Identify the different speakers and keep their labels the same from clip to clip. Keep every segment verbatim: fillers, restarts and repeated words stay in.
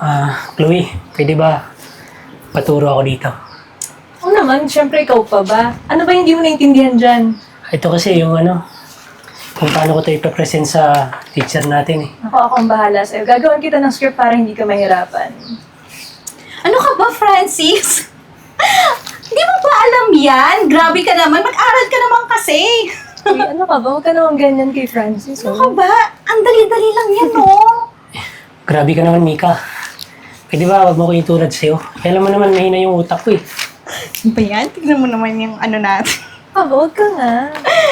Speaker 1: Ah, Chloe, pwede ba paturo ako dito?
Speaker 2: Oo naman, syempre ikaw pa ba? Ano ba hindi mo naintindihan dyan?
Speaker 1: Ito kasi yung ano, kung paano ko ito ipapresent sa teacher natin eh.
Speaker 2: Ako, ako ang bahala sa'yo. Gagawin kita ng script para hindi ka mahirapan.
Speaker 3: Ano ka ba, Francis? Hindi mo ba alam yan? Grabe ka naman. Mag-aral ka naman kasi.
Speaker 2: Uy, ano ka ba? Huwag ka naman ganyan kay Francis.
Speaker 3: Ano
Speaker 2: Oh.
Speaker 3: ka ba? Ang dali-dali lang yan, no?
Speaker 1: Grabe ka naman, Mika. Pwede ba wag mo ko itulad sa'yo? Kaya alam mo naman, mahina yung utak ko eh.
Speaker 3: Ano ba yan? Tignan mo naman yung ano natin.
Speaker 2: Ah, huwag ka nga.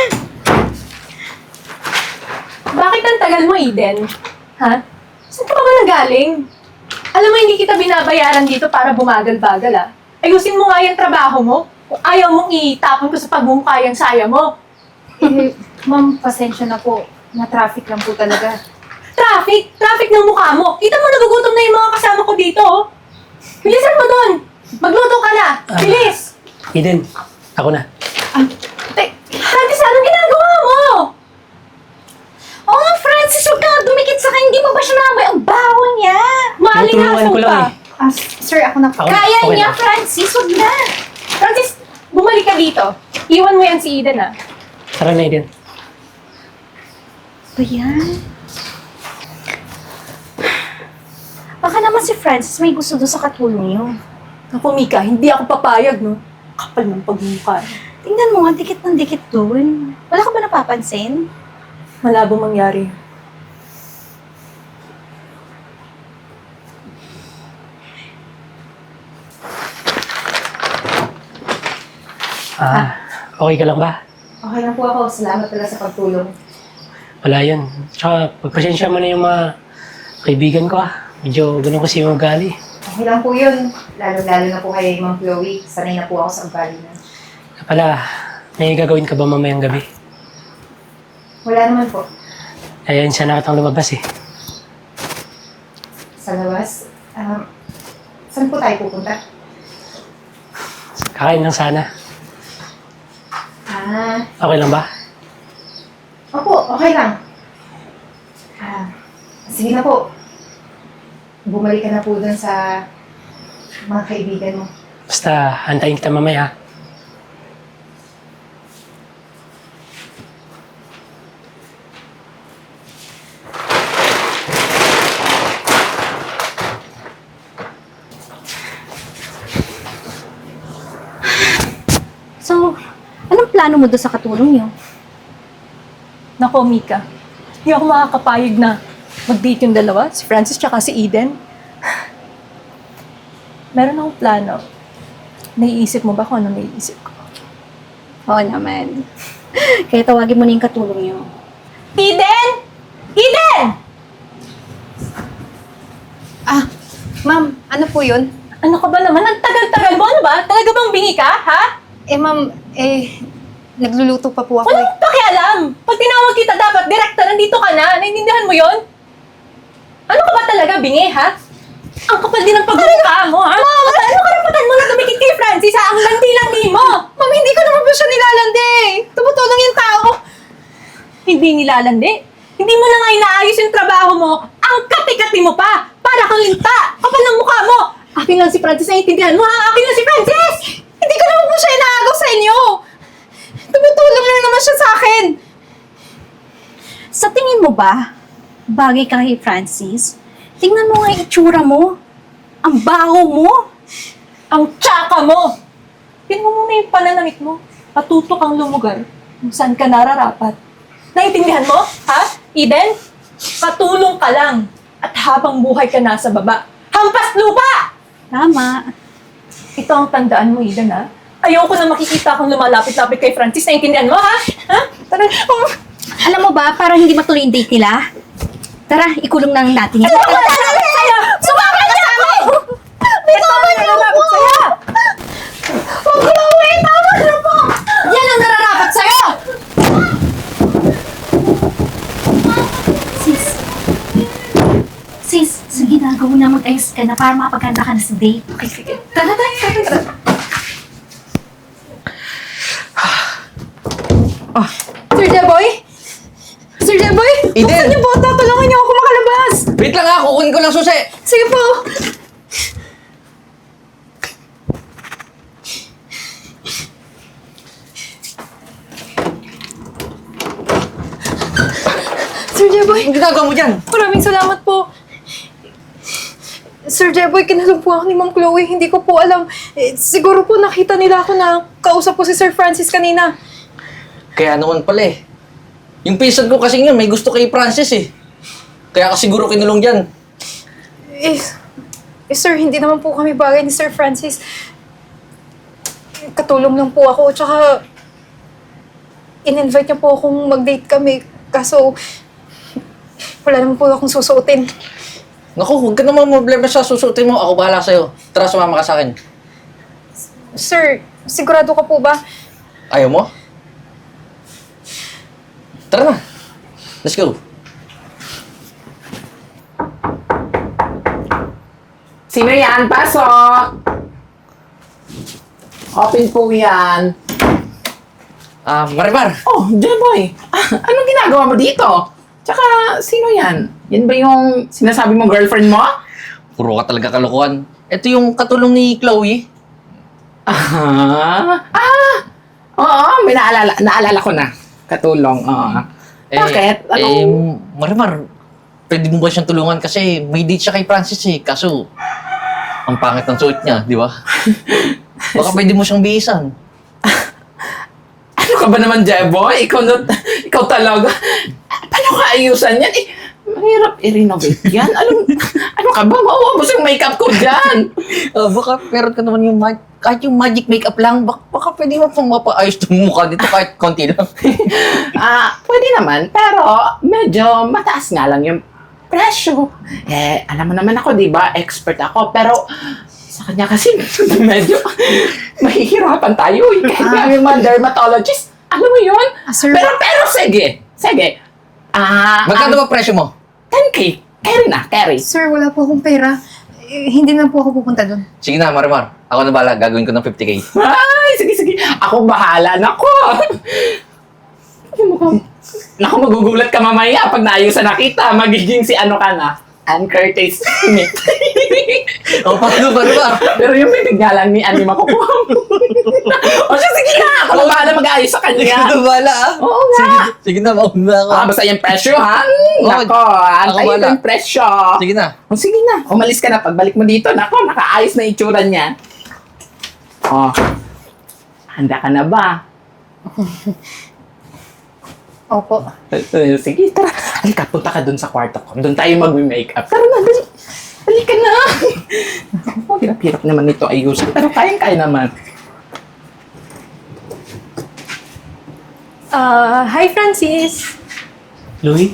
Speaker 2: Bakit ang tagal mo, Eden? Ha? Saan ka pa ba nagaling? Alam mo, hindi kita binabayaran dito para bumagal-bagal, ah. Ayusin mo nga yung trabaho mo. Kung ayaw mong itapon ko sa pagmumukha yung saya mo.
Speaker 4: Eh, ma'am, pasensya na po. Na-traffic lang po talaga.
Speaker 2: Traffic! Traffic ng mukha mo! Kita mo, nagugutom na yung mga kasama ko dito, oh. Bilisan mo doon! Magluto ka na! Bilis!
Speaker 1: Eden, ako na.
Speaker 2: Ah, te, Francis, anong ginagawa mo?
Speaker 3: Oh, Francis, huwag ka nga dumikit sa akin. Hindi mo ba siya naamoy? Ang baho niya.
Speaker 1: Tinutulungan
Speaker 2: Maalingasaw
Speaker 1: ko lang
Speaker 2: ka.
Speaker 1: eh.
Speaker 4: Ah, sir, ako na po.
Speaker 1: Ako?
Speaker 3: Kaya
Speaker 1: Okay
Speaker 3: niya,
Speaker 1: lang.
Speaker 3: Francis. Huwag na.
Speaker 2: Francis, bumalik ka dito. Iwan mo yan si Eden, ah.
Speaker 1: Tara na, Eden.
Speaker 3: Ba yan? Baka naman si Francis may gusto doon sa katulong niyo.
Speaker 2: Naku, Mika, hindi ako papayag, no? Kapal ng pagmumukha.
Speaker 3: Tingnan mo nga, dikit ng dikit doon. Wala ka ba napapansin?
Speaker 2: Malabo mangyari.
Speaker 1: Ah, okay ka lang ba?
Speaker 4: Okay lang po ako. Salamat talaga sa pagtulong.
Speaker 1: Wala yun. Tsaka, pagpasensya mo na yung mga kaibigan ko ah. Medyo ganun kasi yung ugali.
Speaker 4: Okay lang po yun. Lalo-lalo na po kay Ma'am Chloe. Sanay na po ako sa ugali na.
Speaker 1: Kaya pala, may gagawin ka ba mamayang gabi?
Speaker 4: Wala naman po.
Speaker 1: Ayan siya nakatang lumabas eh.
Speaker 4: Sa labas. Um, saan po tayo pupunta?
Speaker 1: Kakain lang sana.
Speaker 4: Ah,
Speaker 1: Okay lang ba?
Speaker 4: opo, okay lang. Ah, sige na po. Bumalik ka na po dun sa mga kaibigan mo.
Speaker 1: Basta, antayin kita mamaya.
Speaker 3: So, anong plano mo doon sa katulong niyo?
Speaker 2: Nako, Mika. Hindi ako makakapayag na mag-date yung dalawa, si Francis tsaka si Eden. Meron akong plano. Naiisip mo ba kung ano naiisip ko?
Speaker 3: Oo naman. Kaya tawagin mo na yung katulong niyo.
Speaker 2: Eden! Eden!
Speaker 4: Ah, ma'am, ano po yun?
Speaker 2: Ano ka ba naman? Ang tagal-tagal mo, ano ba? Talaga bang bingi ka, ha?
Speaker 4: Eh, ma'am, eh, nagluluto pa po ako eh.
Speaker 2: Walang pakialam! Pag tinawag kita, dapat direkta, nandito ka na. Naintindihan mo yon? Ano ka ba talaga, bingi, ha? Ang kapal din ng pagmumukha mo, ha? Mama! Ano karapatan mo na tumikit kay Francis, ha? Ang landi-landi mo!
Speaker 4: Ma'am, hindi ko naman po siya nilalandi eh. Tumutulong yung tao.
Speaker 2: Hindi nilalandi. Hindi mo na nga inaayos yung trabaho mo. Ang kati-kati mo pa! Para kang linta! Kapal ng mukha mo! Akin lang si Francis, naiintindihan mo, ha? Akin lang si Francis!
Speaker 4: Hindi ko naman po siya inaagaw sa inyo. Tumutulong lang naman siya sa akin.
Speaker 3: Sa tingin mo ba, bagay ka kay Francis? Tingnan mo nga yung itsura mo. Ang baho mo.
Speaker 2: Ang tsaka mo! Tingnan mo muna yung pananamit mo. Patuto kang lumugar kung saan ka nararapat. Naiintindihan mo? Ha? Eden? Patulong ka lang. At habang buhay ka nasa baba. Hampas lupa!
Speaker 3: Tama.
Speaker 2: Ito ang tandaan mo, Eden, ha? Ayoko na makikita kang lumalapit-lapit kay Francis. Naiintindihan mo, ha? Ha? Tara. Oh.
Speaker 3: Alam mo ba, para hindi matuloy yung date nila, tara, ikulong na natin yan.
Speaker 2: Ano ba talaga sa'yo? Sumama ka sa amin! Bitawan niyo ako! Huwag Chloe! Tama na po! Yan ang nararapat sa'yo!
Speaker 3: Sis, sis, sige na, gawin na mag-ayos ka na para makapaganda ka na sa date.
Speaker 2: Okay, sige. Tara, tara, tara, tara. Sir Jeboy? Sir Jeboy?
Speaker 5: Eden!
Speaker 2: Buksan niyo po ito! Tulungan niyo ako makalabas!
Speaker 5: Wait lang ha, kukunin ko lang susi.
Speaker 2: Sige po. Sir Jeboy,
Speaker 5: Anong ginagawa mo dyan?
Speaker 2: maraming salamat po. Sir Jeboy, kinalog po ako ni Ma'am Chloe. Hindi ko po alam. Eh, siguro po nakita nila ako na kausap po si Sir Francis kanina.
Speaker 5: Kaya naman pala eh. Yung pinsan ko kasi yun, may gusto kay Francis eh. Kaya ka siguro kinulong dyan.
Speaker 2: Eh, eh, sir, hindi naman po kami bagay ni Sir Francis. Katulong lang po ako. Tsaka, in-invite niya po akong mag-date kami. Kaso, wala naman po akong susuotin.
Speaker 5: Naku, huwag ka naman problema sa susutin mo. Ako bahala sa'yo. Tara, sumama ka sa akin.
Speaker 2: Sir, sigurado ka po ba?
Speaker 5: Ayaw mo? Tara na. Let's go.
Speaker 6: Sino yan? Pasok! Open po yan.
Speaker 5: Ah, Marimar.
Speaker 6: Oh, Jeboy! Ah, anong ginagawa mo dito? Tsaka, sino yan? Yan ba yung sinasabi mo girlfriend mo?
Speaker 5: Puro ka talaga kalokohan. Ito yung katulong ni Chloe.
Speaker 6: Ah! Ah! Oo, may naalala, naalala ko na. Katulong, oo. Bakit?
Speaker 5: Eh,
Speaker 6: Anong...
Speaker 5: Marimar, pwede mo ba siyang tulungan? Kasi may date siya kay Francis eh. Kaso, ang pangit ng suot niya, di ba? Baka pwede mo siyang bihisan.
Speaker 6: Ano ka ba naman, Jeboy? Ikaw, na, ikaw talaga. Paano ka ayusan yan? Eh, mahirap i-renovate yan. Ano, ano ka ba? Mauubos yung makeup ko dyan.
Speaker 5: Ah, baka meron ka naman yung mag- kahit yung magic makeup lang, baka, baka pwede mo pang mapaayos yung mukha dito kahit konti lang.
Speaker 6: Ah, pwede naman, pero medyo mataas nga lang yung presyo. Eh, alam mo naman ako, di ba? Expert ako, pero sa kanya kasi medyo mahihirapan tayo. Eh. Kahit nga yung mga dermatologist, alam mo yun?
Speaker 3: Ah, sir.
Speaker 6: Pero, pero sige, sige. Ah,
Speaker 5: Magkano
Speaker 6: um,
Speaker 5: ba presyo mo?
Speaker 6: ten K. Carry na, carry.
Speaker 3: Sir, wala po akong pera. Eh, hindi na po ako pupunta doon.
Speaker 5: Sige na, Marimar. Ako na bala, gagawin ko ng fifty K.
Speaker 6: Ay, sige, sige. Ako bahala. Nako. Naku, magugulat ka mamaya pag naayusan na kita. Magiging si ano ka na. Ann Curtis Smith.
Speaker 5: O, paano, Marimar?
Speaker 6: Pero yung bibig nga lang ni Annie makukuha mo. O siya, sige na. Ako na bahala mag-aayos sa
Speaker 5: Ikaw
Speaker 6: kanya.
Speaker 5: na bala, ah.
Speaker 6: Oo nga.
Speaker 5: Sige, sige na, mauna ako.
Speaker 6: Ah, basta yung presyo, ha? Nako, antayin
Speaker 5: wala.
Speaker 6: ko yung presyo.
Speaker 5: Sige na.
Speaker 6: O sige na, umalis ka na. Pagbalik mo dito, nako, nakaayos na itsura niya. O, handa ka na ba?
Speaker 3: Opo.
Speaker 6: Eh, Sige, tara. Halika, punta ka dun sa kwarto ko. Doon tayo mag-makeup. Tara na, dali. Halika na. Oh, hirap-hirap naman ito ayusin. Pero kayang-kaya naman.
Speaker 2: Ah, hi Francis.
Speaker 1: Louie?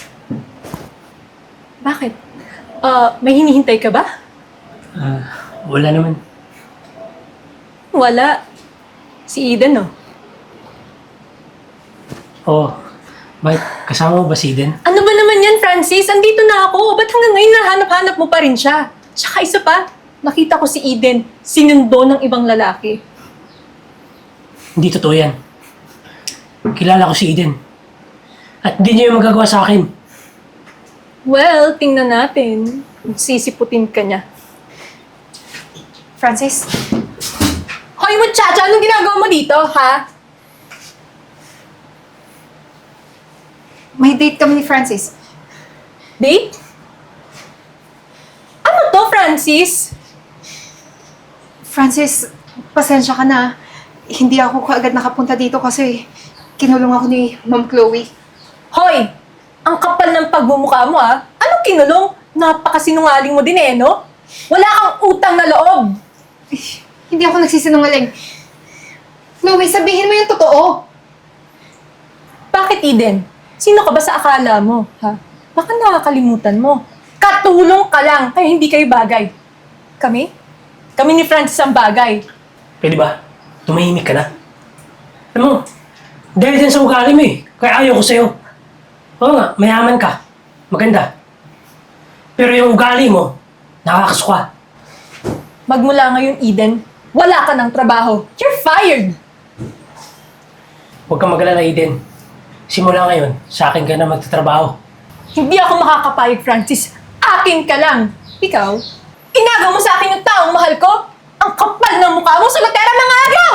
Speaker 2: Bakit? Ah, may hinihintay ka ba?
Speaker 1: Ah, wala naman.
Speaker 2: Wala. Si Eden, oh.
Speaker 1: Oh, bakit? Kasama mo ba si Eden?
Speaker 2: Ano ba naman yan, Francis? Andito na ako. Ba't hanggang ngayon nahanap-hanap mo pa rin siya? Tsaka isa pa, nakita ko si Eden, sinundo ng ibang lalaki.
Speaker 1: Hindi totoo yan. Kilala ko si Eden. At hindi niya yung magagawa sa akin.
Speaker 2: Well, tingnan natin. Sisiputin ka niya.
Speaker 3: Francis,
Speaker 2: Hoy, muchacha! Anong ginagawa mo dito, ha?
Speaker 3: may date kami ni Francis.
Speaker 2: Date? Ano to, Francis?
Speaker 3: Francis, pasensya ka na. Hindi ako kaagad nakapunta dito kasi kinulong ako ni Ma'am Chloe.
Speaker 2: Hoy! Ang kapal ng pagmumukha mo, ha? Anong kinulong? Napakasinungaling mo din, eh, no? Wala kang utang na loob!
Speaker 3: Hindi ako nagsisinungaling. Chloe, sabihin mo yung totoo.
Speaker 2: Bakit, Eden? Sino ka ba sa akala mo, ha? Baka nakakalimutan mo. Katulong ka lang, kaya hindi kayo bagay. Kami? Kami ni Francis ang bagay.
Speaker 1: Pwede ba? Tumahimik ka na. Alam mo, dahil din sa ugali mo eh. Kaya ayaw ko sa'yo. Oo nga, mayaman ka. Maganda. Pero yung ugali mo, nakakasuka.
Speaker 2: Magmula ngayon, Eden, wala ka ng trabaho. You're fired!
Speaker 1: Huwag kang mag-alala, Eden. Simula ngayon, sa akin ka na magtatrabaho.
Speaker 2: Hindi ako makakapayag, Francis. akin ka lang. Ikaw, inagaw mo sa akin yung taong mahal ko? Ang kapal ng mukha mo, sulotera mga agaw!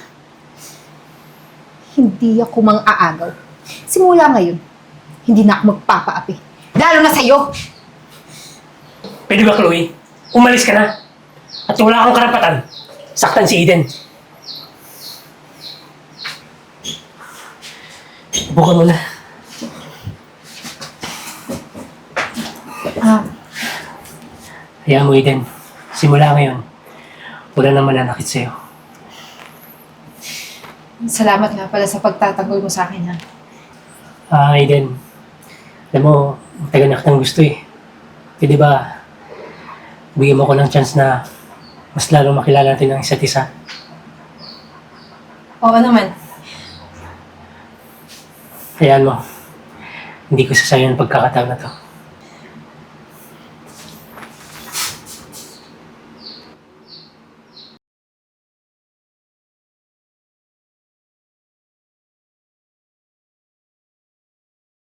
Speaker 4: Hindi ako mang-aagaw. Simula ngayon, hindi na ako magpapaapi. Lalo na sa'yo!
Speaker 1: Pwede ba, Chloe? Umalis ka na. At wala kang karapatan. Saktan si Eden. Buka mo na.
Speaker 4: Ah,
Speaker 1: Hayaan mo, Eden. Simula ngayon, wala nang mananakit sa'yo.
Speaker 4: salamat nga pala sa pagtatanggol mo sa akin, ha?
Speaker 1: Ah, Eden. Alam mo, tagal na kitang gusto eh. Pwede ba, bigyan mo ko ng chance na mas lalong makilala natin ang isa't isa?
Speaker 2: Oo naman.
Speaker 1: Hayaan mo. Hindi ko sasayang ang pagkakataon na to.